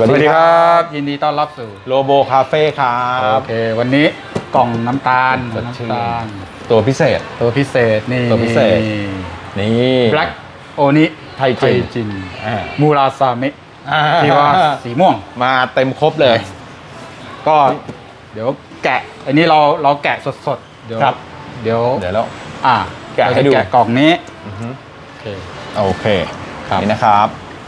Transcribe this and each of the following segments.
สวัสดีครับยินดีต้อนรับสู่โลโบคาเฟ่ครับโอเควันนี้กล่องน้ำตาลตัวพิเศษนี่ตัวพิเศษนี่ Black โอนิไทจินมูราซามิที่ว่าสีม่วงมาเต็มครบเลยก็เดี๋ยวแกะอันนี้เราแกะสดๆเดี๋ยวแล้วแกะให้ดูแกะกล่องนี้โอเคนี่นะครับ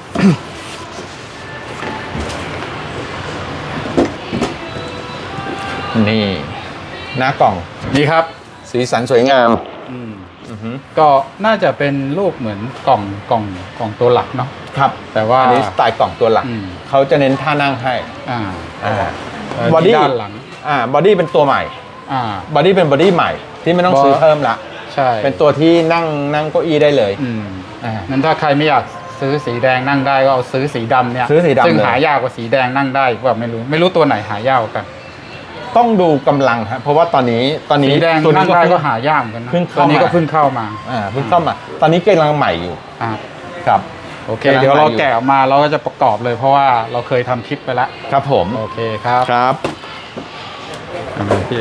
นี่หน้ากล่องนี่ครับสีสันสวยงามก็น่าจะเป็นรูปเหมือนกล่องตัวหลักเนาะครับแต่ว่าอันนี้สไตล์กล่องตัวหลักเขาจะเน้นท่านั่งให้บอดี้ด้านหลังบอดี้เป็นตัวใหม่บอดี้เป็นบอดี้ใหม่ที่ไม่ต้องซื้อเพิ่มละใช่เป็นตัวที่นั่งเก้าอี้ได้เลยงั้นถ้าใครไม่อยากซื้อสีแดงนั่งได้ก็เอาซื้อสีดำเนี่ยซึ่งหายากกว่าสีแดงนั่งได้ว่าไม่รู้ตัวไหนหายากกันต้องดูกำลังครับเพราะว่าตอนนี้สีแดงนั่งได้ก็หายากกันนะตอนนี้ก็เพิ่งเข้ามาตอนนี้กำลังใหม่อยู่ครับโอเคเดี๋ยวเราแกะออกมาเราก็จะประกอบเลยเพราะว่าเราเคยทำคลิปไปแล้วครับผมโอเคครับพี่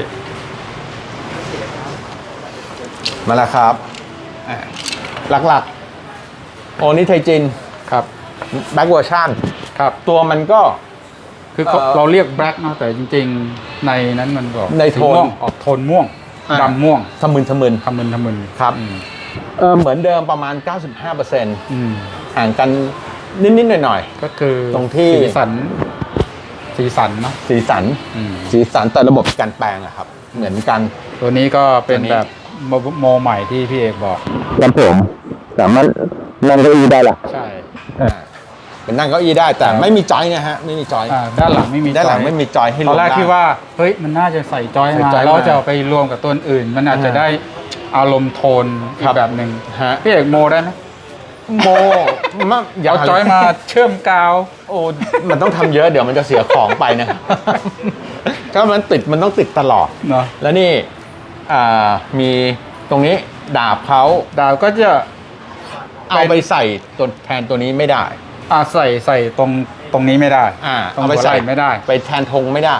มาแล้วครับหลักๆโอนิไทจินครับแบ็กเวอร์ชันครับตัวมันก็คือเราเรียกแบล็กเนาะแต่จริงๆในนั้นมันบอกในโทนออกโทนม่วงดำม่วงทะมึนครับเหมือนเดิมประมาณ 95%ห่างกันนิดๆหน่อยๆก็คือตรงที่สีสันเนาะสีสันแต่ระบบการแปลงอะครับเหมือนกันตัวนี้ก็เป็นแบบโมใหม่ที่พี่เอกบอกครับผมสามารถนั่งเก้าอี้ได้ละใช่เป็นนั่งเก้าอี้ได้แต่ไม่มีจอยนะฮะไม่มีจอยด้านหลังไม่มีจอยให้ลงได้ตอนแรกที่ว่าเฮ้ยมันน่าจะใส่จอยมาแล้วจะเอาไปรวมกับตัวอื่นมันอาจจะได้อารมณ์โทนอีกแบบหนึ่งพี่เอกโมได้ไหมโมเอาจอยมาเชื่อมกาวโอ้มันต้องทำเยอะเดี๋ยวมันจะเสียของไปนะถ้ามันต้องติดตลอดเนาะแล้วนี่มีตรงนี้ดาบก็จะเอาไปใส่ตัวแทนตัวนี้ไม่ได้ใส่ตรงนี้ไม่ได้เอาไปใส่ไม่ได้ไปแทนธงไม่ได้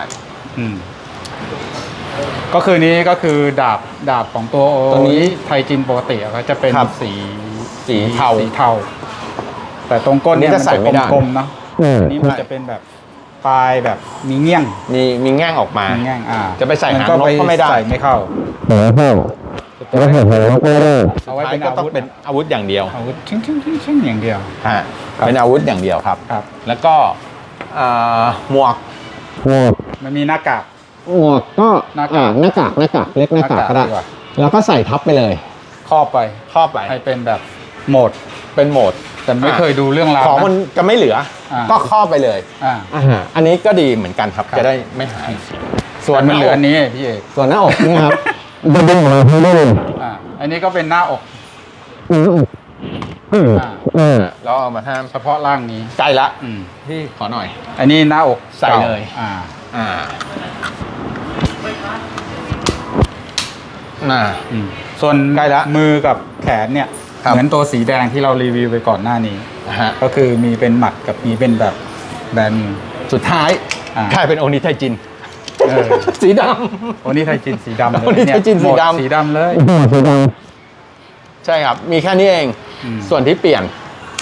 ก็คือนี้ก็คือดาบของตัวนี้ไทจินปกติเขาจะเป็นสีเทาแต่ตรงก้นเนี่ยมันจะกลมๆเนาะนี่มันจะเป็นแบบปลายแบบมีเงี้ยงมีแง่งออกมาจะไปใส่หางนกก็ไม่ได้ใส่ไม่เข้าเอาไว้เป็นอาวุธเป็นอาวุธอย่างเดียวอาวุธชิ้นอย่างเดียวเป็นอาวุธอย่างเดียวครับแล้วก็หมวกมันมีหน้ากากหมวกก็หน้ากากเล็กหน้ากากก็ได้แล้วก็ใส่ทับไปเลยครอบไปให้เป็นแบบโหมดแต่ไม่เคยดูเรื่องราวของมันจะไม่เหลือก็ครอบไปเลยอันนี้ก็ดีเหมือนกันครับจะได้ไม่หายส่วนมันเหลืออันนี้พี่เอกส่วนหน้าอกนี่ครับจะดึงออกมาให้ได้เลยอันนี้ก็เป็นหน้าอกแล้วเอามาทำเฉพาะร่างนี้ใกล้ละพี่ขอหน่อยอันนี้หน้าอกใส่เลยส่วนใกล้ละมือกับแขนเนี่ยเหมือนตัวสีแดงที่เรารีวิวไปก่อนหน้านี้ก็คือมีเป็นหมัดกับมีเป็นแบบแบนสุดท้ายกลายเป็นโอนิไทจินสีดำโอนิไทจินสีดำเลยโอนิไทจินสีดำเลยใช่ครับมีแค่นี้เองส่วนที่เปลี่ยน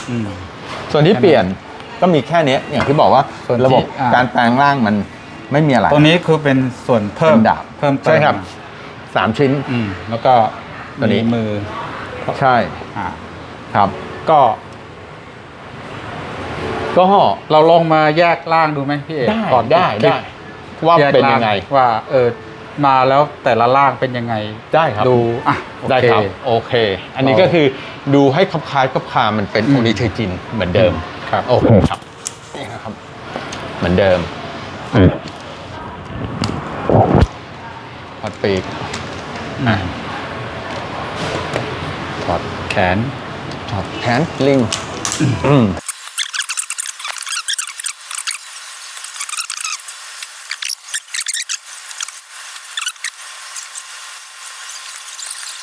ก็มีแค่นี้อย่างที่บอกว่าระบบการแปลงร่างมันไม่มีอะไรตัวนี้คือเป็นส่วนเพิ่มดาบใช่ครับ3 ชิ้นแล้วก็ตัวนี้มือใช่ครับก็เราลองมาแยกร่างดูไหมพี่เอกก่อนได้ว่าเป็นยังไงว่ามาแล้วแต่ละร่างเป็นยังไงได้ครับดูได้ครับโอเคอันนี้ก็คือดูให้คล้ายคามันเป็นโอนิไทจินเหมือนเดิมครับโอเคครับนี่นะครับเหมือนเดิมถอดปีกถอดแขนลิง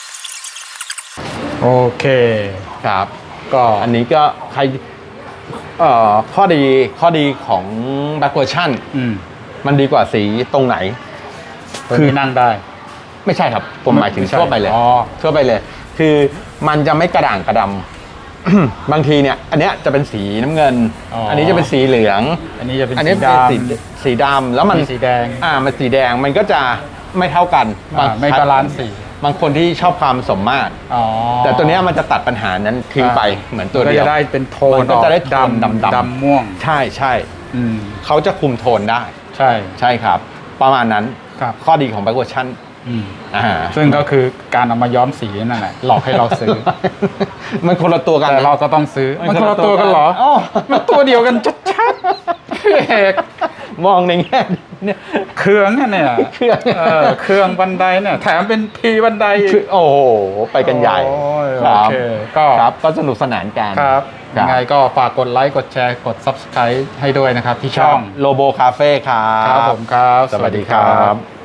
โอเคครับก็อันนี้ก็ใครข้อดีของ Black Version มันดีกว่าสีตรงไหนคือนั่งได้ไม่ใช่ครับ ผมหมายถึงทั่วไปเลย ทั่วไปเลย คือมันจะไม่กระด่างกระดำ บางทีเนี่ย อันเนี้ยจะเป็นสีน้ำเงิน อันนี้จะเป็นสีเหลืองอันนี้จะเป็นสีดำแล้วมันสีแดงมันสีแดงมันก็จะไม่เท่ากันไม่บาลานซ์สีบางคนที่ชอบความสมมาตรแต่ตัวเนี้ยมันจะตัดปัญหานั้นทิ้งไปเหมือนตัวเดียวก็จะได้เป็นโทนมันก็จะได้โทนดำม่วงใช่ใช่เขาจะคุมโทนได้ใช่ใช่ครับ ประมาณนั้นครับข้อดีของ Black Version ซึ่งก็คือการเอามาย้อมสีนั่นแหละหลอกให้เราซื้อมันคนละตัวกันแต่เราก็ต้องซื้อมันคนละตัวกันเหรอมันตัวเดียวกันชัดๆพี่เอกมองในแง่เนี่ยเครื่องเนี่ยเครื่องบันไดเนี่ยแถมเป็นพีบันไดโอ้โหไปกันใหญ่โอเคก็ครับก็สนุกสนานกันครับยังไงก็ฝากกดไลค์กดแชร์กด Subscribe ให้ด้วยนะครับที่ช่องโลโบคาเฟ่ครับครับผมครับสวัสดีครับ